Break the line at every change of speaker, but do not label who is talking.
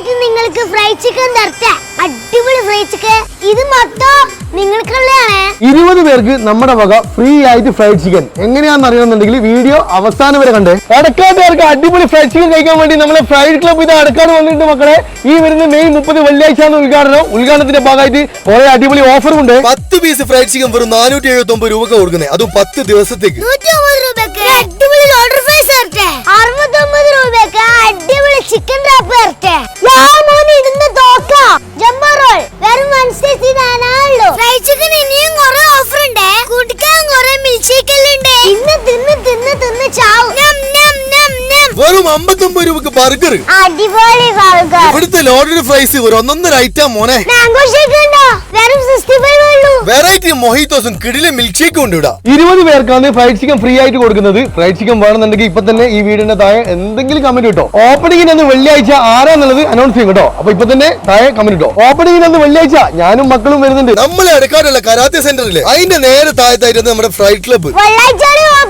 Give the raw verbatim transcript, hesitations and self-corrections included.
ആയിട്ട് നിങ്ങൾക്ക് fried chicken തരട്ടെ. അടിപൊളി ഫ്രൈഡ് ചിക്കൻ. ഇത് മൊത്തം നിങ്ങൾക്കുള്ളതാണ്.
ഇരുപത് പേർക്ക് നമ്മുടെ വക ഫ്രീ ആയിട്ട് ഫ്രൈഡ് ചിക്കൻ. എങ്ങനെയാണെന്ന് അറിയണമെന്നുണ്ടെങ്കിൽ വീഡിയോ അവസാനം വരെ കണ്ടേ. അടക്കാട്ടുകാർക്ക് അടിപൊളി ഫ്രൈഡ് ചിക്കൻ കഴിക്കാൻ വേണ്ടി നമ്മളെ ഫ്രൈഡ് ക്ലബ് ഇത് അടക്കാട് വന്നിട്ടുണ്ട് മക്കളെ. ഈ വരുന്ന മെയ് മുപ്പത് വെള്ളിയാഴ്ചയാണ് ഉദ്ഘാടനം. ഉദ്ഘാടനത്തിന്റെ ഭാഗമായിട്ട് കുറെ അടിപൊളി ഓഫറും ഉണ്ട്.
പത്ത് പീസ് ഫ്രൈഡ് ചിക്കൻ വെറും നാനൂറ്റി എഴുപത്തി ഒമ്പത് രൂപ കൊടുക്കുന്നത്, അതും പത്ത് ദിവസത്തേക്ക്.
അടിപൊളി ലോഡർ ഫ്രൈസ് തരട്ടെ. അറുപത്തൊമ്പത് രൂപയ്ക്ക് അടിപൊളി ചിക്കൻ റാപ്പ് തരട്ടെ. ഇടുന്ന തോക്ക ജംബോ റോൾ വെറും വൺ സിക്സ്റ്റി നയൻ ആണല്ലോ. ഫ്രൈഡ് ചിക്കൻ ഇനിയും കുറെ ഓഫർ ഉണ്ട്. കുടിക്കാൻ കുറെ മിൽക്ക് ഷേക്ക് ഉണ്ട്. ഇന്ന് തിന്ന് തിന്ന് തിന്ന് ചാവും.
വെറും അമ്പത്തൊമ്പത് രൂപക്ക് ബർഗർ.
അടിപൊളി ബർഗർ.
ഇവിടുത്തെ ലോഡഡ് ഫ്രൈസ് ഒരു ഒന്നൊന്നര ഐറ്റം മോനെ.
മാംഗോ ഷേക്ക് ഉണ്ടോ? വെറും സിക്സ്റ്റി ഫൈവ് ഉള്ളൂ.
വെറൈറ്റി മൊഹിറ്റോസും കിടിലെ മിൽക്ക് ഷേക്കും ഉണ്ട് ഇവിടെ.
ഇരുപത് പേർക്കാണ് ഫ്രൈഡ് ചിക്കൻ ഫ്രീ ആയിട്ട് കൊടുക്കുന്നത്. ഫ്രൈഡ് ചിക്കൻ വേണമെന്നുണ്ടെങ്കിൽ ഇപ്പൊ തന്നെ ഈ വീടിന്റെ താഴെ എന്തെങ്കിലും കമന്റ് കിട്ടോ. ഓപ്പണിംഗിന് അന്ന് വെള്ളിയാഴ്ച ആരാന്നുള്ളത് അനൗൺസ് ചെയ്യും കേട്ടോ. അപ്പൊ ഇപ്പൊ തന്നെ താഴെ കമന്റ് കിട്ടോ. ഓപ്പണിംഗിന് അന്ന് വെള്ളിയാഴ്ച ഞാനും മക്കളും വരുന്നുണ്ട്.
നമ്മളെ അടക്കാടുള്ള കരാത്തെ സെന്ററിലെ അതിന്റെ നേരെ താഴത്തായിരുന്നു നമ്മുടെ ഫ്രൈഡ് ക്ലബ്ബ്.
വെള്ളിയാഴ്ച